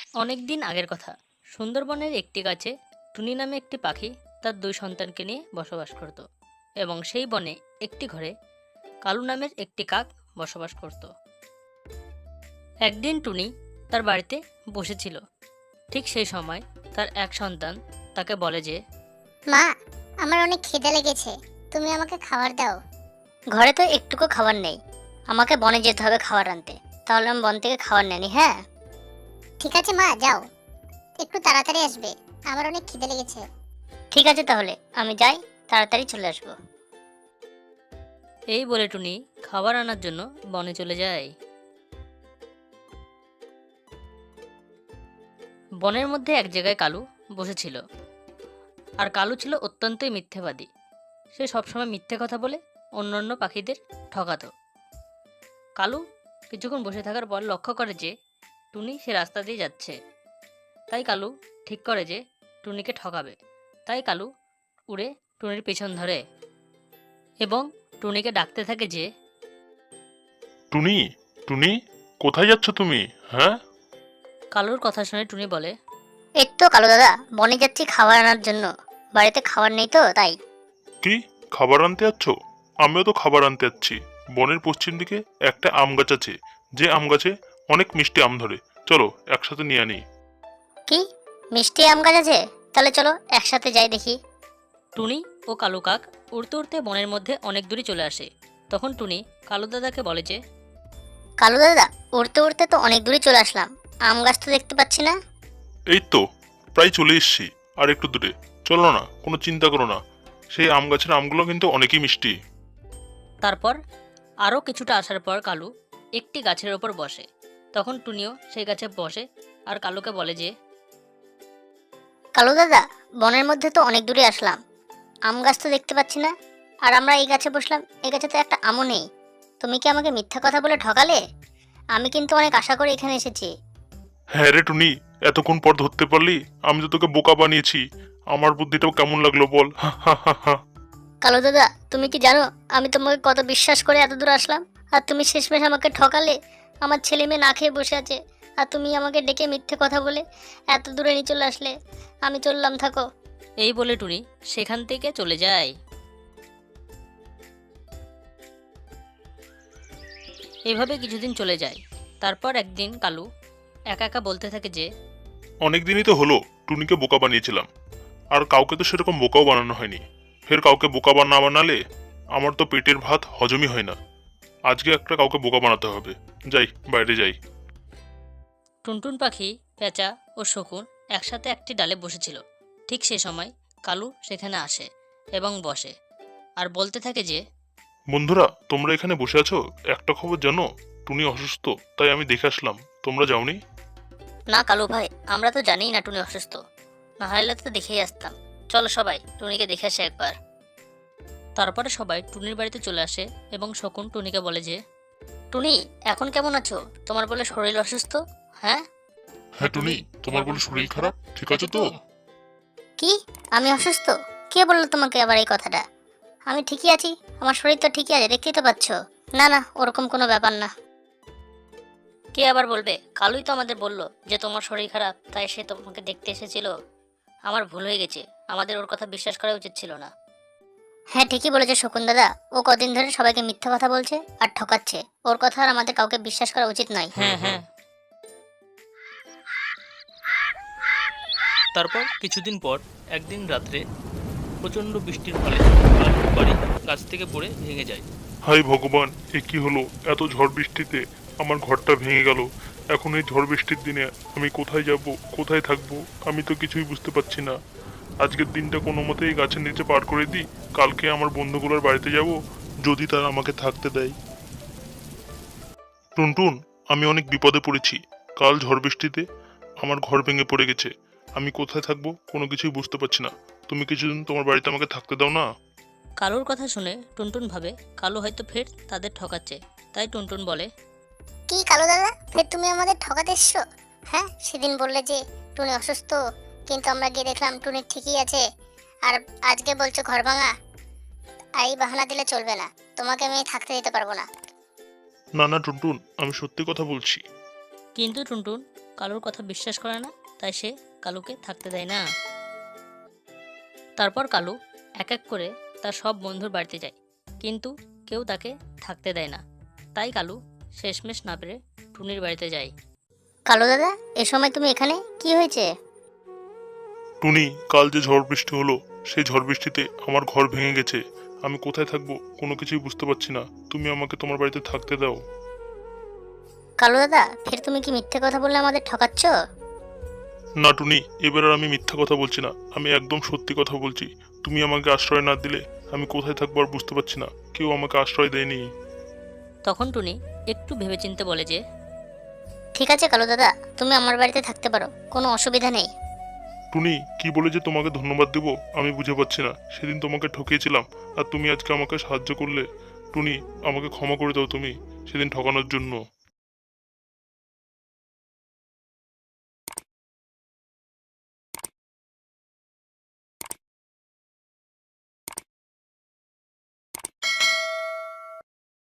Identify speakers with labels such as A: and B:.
A: অনেক দিন আগের কথা। সুন্দরবনের একটি গাছে টুনি নামে একটি পাখি তার দুই সন্তানকে নিয়ে বসবাস করত, এবং সেই বনে একটি ঘরে কালু নামের একটি কাক বসবাস করত। একদিন টুনি তার বাড়িতে বসেছিল। ঠিক সেই সময় তার এক সন্তান তাকে বলে যে,
B: মা, আমার অনেক খিদে লেগেছে, তুমি আমাকে খাবার দাও।
C: ঘরে তো একটুকু খাবার নেই, আমাকে বনে যেতে হবে খাবার আনতে। তাহলে আমি বন থেকে খাবার নেনি। হ্যাঁ,
B: ঠিক আছে মা, যাও, একটু তাড়াতাড়ি আসবে, আমার অনেক খিদে লেগেছে।
C: ঠিক আছে, তাহলে আমি যাই, তাড়াতাড়ি চলে আসবো।
A: এই বলে টুনি খাবার আনার জন্য বনে চলে যায়। বনের মধ্যে এক জায়গায় কালু বসেছিল। আর কালু ছিল অত্যন্তই মিথ্যেবাদী। সে সবসময় মিথ্যে কথা বলে অন্যান্য পাখিদের ঠকাতো। কালু কিছুক্ষণ বসে থাকার পর লক্ষ্য করে যে টুনি সে রাস্তা দিয়ে যাচ্ছে। তাই কালু ঠিক করে যে টুনিকে ঠকাবে। তাই কালু উড়ে টুনির পেছন ধরে এবং টুনিকে ডাকতে থাকে যে,
D: টুনি, টুনি, কোথায় যাচ্ছ তুমি? হ্যাঁ,
A: কালুর কথা শুনে টুনি বলে,
C: এই তো কালু দাদা, বনে যাচ্ছি খাবার আনার জন্য। বাড়িতে খাবার নেই তো তাই।
D: কি খাবার আনতে যাচ্ছ? আমিও তো খাবার আনতে যাচ্ছি। বনের পশ্চিম দিকে একটা আম গাছ আছে, যে আম গাছে অনেক মিষ্টি আম ধরে। চলো একসাথে নিয়ে আনি।
C: কি, মিষ্টি আম গাছ আছে? তাহলে চলো একসাথে যাই দেখি।
A: টুনি ও কালু কাক উড়তে উড়তে বনের মধ্যে অনেক দূরে চলে আসে। তখন টুনি কালু দাদাকে বলে যে,
C: কালু দাদা, উড়তে উড়তে তো অনেক দূরে চলে আসলাম, আম গাছ তো দেখতে পাচ্ছি না।
D: এই তো প্রায় চলে এসেছি, আর একটু দূরে। চলো না, কোনো চিন্তা করো না, সেই আম গাছের আমগুলো কিন্তু অনেকই মিষ্টি।
A: তারপর আরও কিছুটা আসার পর কালু একটি গাছের ওপর বসে। তখন টুনিও সেই গাছে বসে আর কালুকে বলে যে,
C: কালু দাদা, বনের মধ্যে তো অনেক দূরে আসলাম, আম গাছ তো দেখতে পাচ্ছি না। আর আমরা এই গাছে বসলাম, এই গাছে তো একটা আমও নেই। তুমি কি আমাকে মিথ্যা কথা বলে ঠকালে? আমি কিন্তু অনেক আশা করে এখানে এসেছি।
D: হ্যাঁ রে টুনি, এতক্ষণ পর ধরতে পারলি? আমি তো তোকে বোকা বানিয়েছি। আমার বুদ্ধিটাও কেমন লাগলো বল? হা হা হা হা।
C: কালু দাদা, তুমি কি জানো আমি তোমাকে কত বিশ্বাস করে এত দূর আসলাম, আর তুমি শেষমেশ আমাকে ঠকালে। আমার ছেলে মেয়ে না খেয়ে বসে আছে, আর তুমি আমাকে ডেকে মিথ্যে কথা বলে এত দূরে নিয়ে চলে আসলে। আমি চললাম, থাকো।
A: এই বলে টুনি সেখান থেকে চলে যায়। এভাবে কিছুদিন চলে যায়। তারপর একদিন কালু একা একা বলতে থাকে যে,
D: অনেক দিনই তো হলো টুনিকে বোকা বানিয়েছিলাম, আর কাউকে তো সেরকম বোকাও বানানো হয়নি। ফের কাউকে বোকা না বানালে আমার তো পেটের ভাত হজমই হয় না। আজকে একটা কাউকে বোকা বানাতে হবে। যাই, বাইরে যাই।
A: টুনটুন পাখি, পেঁচা ও শকুন একসাথে একটি ডালে বসেছিল। ঠিক সে সময় কালু সেখানে আসে এবং বসে আর বলতে থাকে যে,
D: বন্ধুরা, তোমরা এখানে বসে আছো, একটা খবর জানো? টুনি অসুস্থ, তাই আমি দেখে আসলাম। তোমরা যাওনি?
C: না কালু ভাই, আমরা তো জানি না টুনি অসুস্থ, না হলে তো দেখেই আসতাম। চলো সবাই টুনিকে দেখে আসে একবার।
A: তারপরে সবাই টুনির বাড়িতে চলে আসে এবং শকুন টুনিকে বলে যে,
C: টুনি, এখন কেমন আছো? তোমার বলে শরীর অসুস্থ। হ্যাঁ,
D: হ্যাঁ টুনি, তোমার বলে শরীর খারাপ, ঠিক আছে তো?
C: কি, আমি অসুস্থ? কে বললো তোমাকে আবার এই কথাটা? আমি ঠিকই আছি, আমার শরীর তো ঠিকই আছে, দেখতেই তো পাচ্ছ। না না, ওরকম কোনো ব্যাপার না। কে আবার বলবে? কালুই তো আমাদের বললো যে তোমার শরীর খারাপ, তাই সে তোমাকে দেখতে এসেছিল। আমার ভুল হয়ে গেছে, আমাদের ওর কথা বিশ্বাস করা উচিত ছিল না। হ্যাঁ, ঠিকই বলেছে শকুন দাদা, ও কদিন ধরে সবাইকে মিথ্যা কথা বলছে আর ঠকাচ্ছে। ওর কথা আর আমাদের কাউকে বিশ্বাস করা উচিত নয়।
A: হ্যাঁ হ্যাঁ।
E: তারপর কিছুদিন পর একদিন রাত্রে প্রচণ্ড বৃষ্টির ফলে কালুর বাড়ি গাছ থেকে পড়ে ভেঙে যায়।
D: হাই ভগবান, এ কি হলো? এত ঝড় বৃষ্টিতে আমার ঘরটা ভেঙে গেল। এখন এই ঝড় বৃষ্টির দিনে আমি কোথায় যাব, কোথায় থাকবো? আমি তো কিছুই বুঝতে পারছি না। আজকের দিনটা কোনো মতে এই গাছের নিচে পার করে দিই, কালকে আমার বন্ধুগুলোর বাড়িতে যাব, যদি তারা আমাকে থাকতে দেয়। টুনটুন, আমি অনেক বিপদে পড়েছি। কাল ঝড় বৃষ্টিতে আমার ঘর ভেঙে পড়ে গেছে। আমি কোথায় থাকবো কোনো কিছুই বুঝতে পারছি না। তুমি কিছুদিন তোমার বাড়িতে আমাকে থাকতে দাও না?
A: কালুর কথা শুনে টুনটুন ভাবে কালু হয়তো ফের তাদের ঠকাচ্ছে। তাই টুনটুন বলে,
B: কি কালু দাদা, ফের তুমি আমাদের ঠকাতে এসছো? হ্যাঁ, সেদিন বললে যে টুনি অসুস্থ, কিন্তু আমরা গিয়ে দেখলাম টুনি ঠিকই আছে, আর আজকে বলছো ঘর ভাঙা। আর এই বাহানা দিলে চলবে না, তোমাকে আমি থাকতে দিতে পারবো না।
D: না না টুনটুন, আমি সত্যি কথা বলছি।
A: কিন্তু টুনটুন কালুর কথা বিশ্বাস করে না, তাই সে কালুকে থাকতে দেয় না। তারপর কালু এক এক করে তার সব বন্ধুর বাড়িতে যায়, কিন্তু কেউ তাকে থাকতে দেয় না। তাই কালু শেষমেশ না পেরে টুনির বাড়িতে যায়।
C: কালু দাদা, এ সময় তুমি এখানে? কি হয়েছে?
D: টুনি, কাল যে ঝড় বৃষ্টি হলো সেই ঝড় বৃষ্টিতে আমার ঘর ভেঙে গেছে। আমি কোথায় থাকবো কোনো কিছুই বুঝতে পারছি না। তুমি আমাকে তোমার বাড়িতে থাকতে দাও।
C: কালু দাদা, ফের তুমি কি মিথ্যে কথা বলে আমাদের ঠকাচ্ছ?
D: না টুনি, এবার আর আমি মিথ্যা কথা বলছি না, আমি একদম সত্যি কথা বলছি। তুমি আমাকে আশ্রয় না দিলে আমি কোথায় থাকবো আর বুঝতে পারছি না। কেউ আমাকে আশ্রয় দেয়নি।
A: তখন টুনি একটু ভেবেচিন্তে বলে যে,
C: ঠিক আছে কালু দাদা, তুমি আমার বাড়িতে থাকতে পারো, কোনো অসুবিধা নেই।
D: টুনি, কি বলে যে তোমাকে ধন্যবাদ দেব আমি বুঝে পাচ্ছি না। সেদিন তোমাকে ঠকিয়েছিলাম আর তুমি আজকে আমাকে সাহায্য করলে। টুনি, আমাকে ক্ষমা করে দাও তুমি সেদিন ঠকানোর জন্য।